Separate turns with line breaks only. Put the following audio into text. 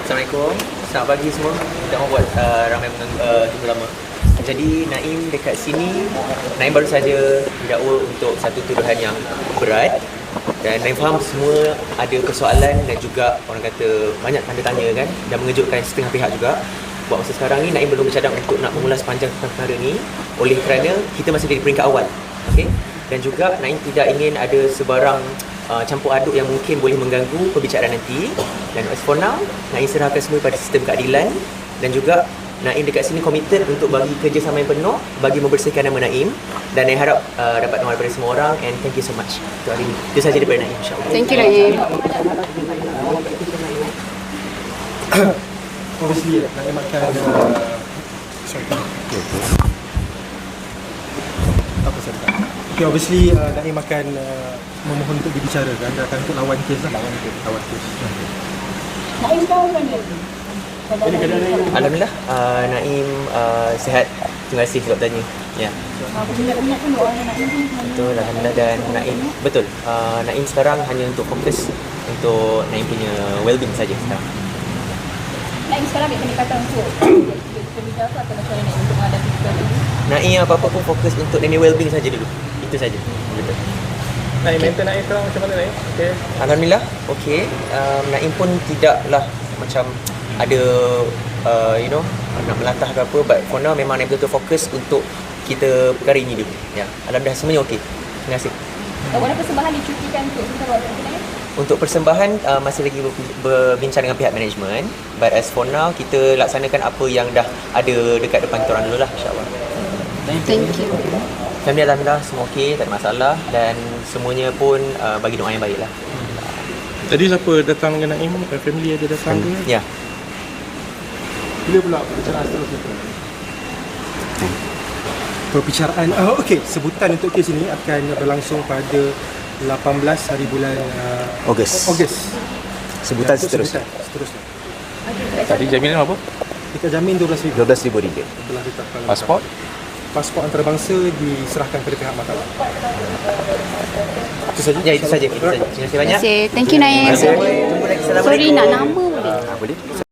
Assalamualaikum, selamat pagi semua. Kita mau buat ramai tunggu lama. Jadi Naim dekat sini, Naim baru saja didakwa untuk satu tuduhan yang berat. Dan Naim faham semua ada persoalan dan juga orang kata banyak tanda tanya kan, dan mengejutkan setengah pihak juga. Buat masa sekarang ni Naim belum bercadang untuk nak mengulas panjang tentang perkara ni, oleh kerana kita masih di peringkat awal. Okey. Dan juga Naim tidak ingin ada sebarang campur aduk yang mungkin boleh mengganggu perbicaraan nanti. Dan as for now, Naim serahkan semua pada sistem keadilan. Dan juga Naim dekat sini komited untuk bagi kerjasama yang penuh bagi membersihkan nama Naim. Dan Naim harap dapat nama daripada semua orang. And thank you so much untuk hari ini. Itu sahaja daripada Naim, insyaAllah.
Thank you, Naim.
Obviously, Naim akan Okay, obviously Naim akan memohon untuk dibicarakan dan akan untuk lawan kes lah. Lawan kes.
Naim tahu kan dia?
Alhamdulillah, Naim sihat. Terima kasih sebab tanya. Ya.
Banyak pun orang yang Naim pun.
Betul, Alhamdulillah. Dan Naim, betul, Naim sekarang hanya untuk fokus untuk Naim punya well-being saja sekarang.
Naim sekarang ambil pendekatan untuk berbicara atau macam mana untuk menghadapi situasi ini?
Naim apa-apa pun fokus untuk Naim well-being saja dulu. Itu saja. Betul.
Naim, mental Naim sekarang macam mana Naim? Okay.
Alhamdulillah, okey. Naim pun tidaklah macam ada nak melantah ke apa, but for now memang Naim betul-betul fokus untuk kita perkara ini dulu. Ya, alhamdulillah semuanya okey. Terima kasih.
Ada persembahan dicutikan untuk sebentar waktu Naim?
Untuk persembahan masih lagi berbincang dengan pihak management, but as for now kita laksanakan apa yang dah ada dekat depan kita orang dulu lah, insyaAllah.
Thank you.
Family alhamdulillah semua okey, tak ada masalah, dan semuanya pun bagi doa yang baik lah.
Tadi siapa datang dengan Naim? Family ada datang ke?
Ya.
Bila pula perbicaraan seterusnya? Perbicaraan, okey, sebutan untuk kes ini akan berlangsung pada 18 hari bulan
Ogos. Sebutan seterusnya.
Tadi jaminan apa?
Kita jamin RM12,000.
RM12,000.
Telah ditetapkan.
Pasport
antarabangsa diserahkan kepada pihak mahkamah. Itu saja.
Ya, itu saja. Terima kasih banyak.
Terima kasih. Thank you, Naim.
Tunggu lagi. Assalamualaikum.
Sorry, nak nama boleh?
Boleh?